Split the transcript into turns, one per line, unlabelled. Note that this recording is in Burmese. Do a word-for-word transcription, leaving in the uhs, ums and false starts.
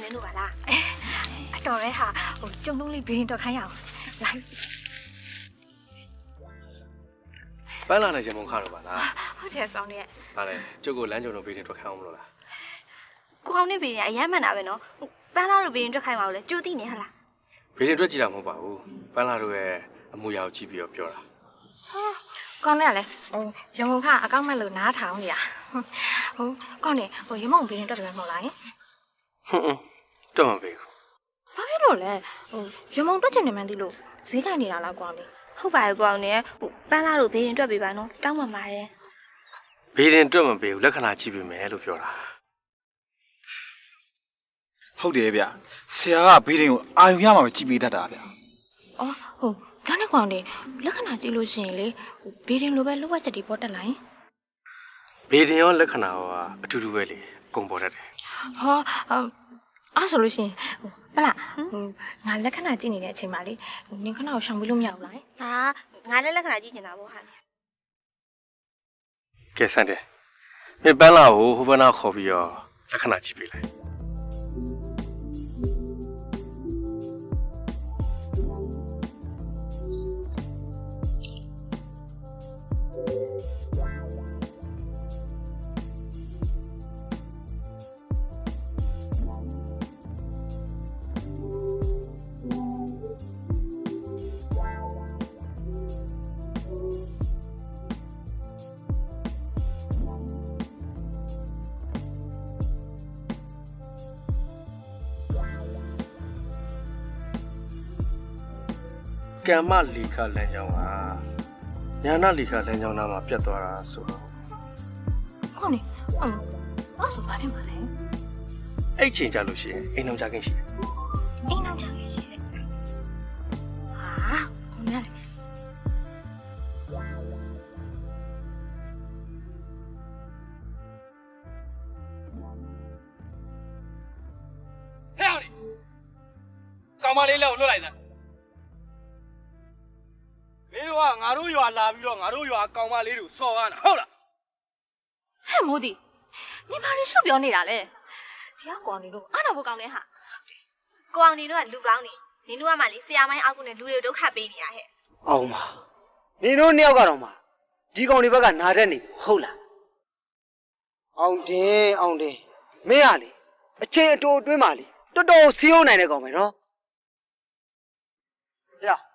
နေလို့ပါလားအတော်ရဲဟာဟိုကျုံလုံးလေးဘင်းတော့ခိုင်းရအောင်လိုက်
ပန်းလာနေချင်မုံခါတော့ပါလား
ဟုတ်တယ်ကောင်းရဲ့
ဟာလေကျုပ်ကိုလမ်းကြုံတော့ဘင်းထွက်ခိုင်းအောင်မလို့လား
ကိုအောင်နေဘင်းရအရမ်းမှန်တာပဲနော်ပန်းလာတို့ဘင်းထွက်ခိုင်းပါဦးလေကြိုးသိနေဟလား
ဘင်းထွက်ကြည့်တာမဟုတ်ပါဘူးပန်းလာတို့ရဲ့အမူအရာကိုကြည့်ပြီးတော့ပြောတာ
ဟာကောင်းနေရလေဟိုရမုံခအကောင့်မဲ့လို့နားထောင်နေရဟိုကောင်းနေဟိုရမုံဘင်းထွက်တယ်မဟုတ်လားဟင်
ဟွန်းတော့မပေးဘူး
ဘာဖြစ်လို့လဲဟိုရမုံတွက်ချင်နေမှန်းသိလို့ဈေးခိုင်နေတာလားကောင်းနေဟုတ်ပါရဲ့ကောင်းနေဟိုပန်းလာတို့ဘင်းတွက်ပေးပါနော်တောင်းပါမှာရဲ့
ဘေးရင်တွက်မပေးဘူးလက္ခဏာကြည့်ပေးမယ်လို့ပြောတာ
ဟုတ်တယ်ဗျဆရာကဘေးရင်ကိုအာယုံရမှာပဲကြည့်ပေးတတ်တာဗျ
အော်ဟုတ်ကောင်းနေကောင်းနေလက္ခဏာကြည့်လို့ရှိရင်လေဟိုဘေးရင်လိုပဲလောက်ဝက်ချက်တွေပေါ်တက်လာရင်
ဘေးရင်ရောလက္ခဏာရောအတူတူပဲလေကုန်ပေါ်တတ်တယ်
ဟောအဲ့ဆိုလို့ရှိရင်ဟိုပလားဟိုငါလက္ခဏာကြည့်နေတဲ့အချိန်မှာလေနင်ခဏကိုရှောင်ပြီးလို့မရဘူးလားဟာငါလည်းလက္ခဏာကြည့်နေတာပေါ့ဟာ
ကဲဆန်တယ်မင်းပန်းလာကိုဟိုဘက်နာခေါ်ပြီးတော့လက္ခဏာကြည့်ပေးလိုက်ကမ္မလီခလမ်းကြောင်းကညာနာလီခလမ်းကြောင်းနားမှာပြတ်သွားတာဆိုတော့
ဟုတ်နေဟုတ်အဲ့ဆိုဘာဖြစ်မှာလဲ
အဲ့ချိန်ကြလို့ရှိရင်အိမ်အောင်ကြခင်ရှိတယ်
အိမ်အောင်ကြခင်ရှိတယ်ဟာဘယ်နဲ့လဲ
ဟဲ့အောင်ကောင်မလေးလည်းလွတ်လိုက်တာမင်းတို့ကငါတို့ရွာလာပြီးတော့ငါတို့ရွာကောင်မလေးတွေကိုစော်ကားတာဟုတ်လား
ဟဲ့မိုးဒီနင်ဘာလို့ရှော့ပြောနေတာလဲဒီကကောင်နေတော့အားတော့ဘကောင်းနေဟာကိုအောင်နေတော့လူကောင်းနေနင်တို့ကမှလေဆရာမိုင်းအောက်ကနေလူတွေဒုက္ခပေးနေရဟဲ့
အောင်ပါနင်တို့နှစ်ယောက်ကတော့မှဒီကောင်တွေဘက်ကနာတတ်နေဟုတ်လားအောင်တင်အောင်တင်မင်းကလေအချိန်အတိုအတွင်းမှာလေတော်တော်စီးအောင်နိုင်တဲ့ကောင်ပဲနော်ဟဲ့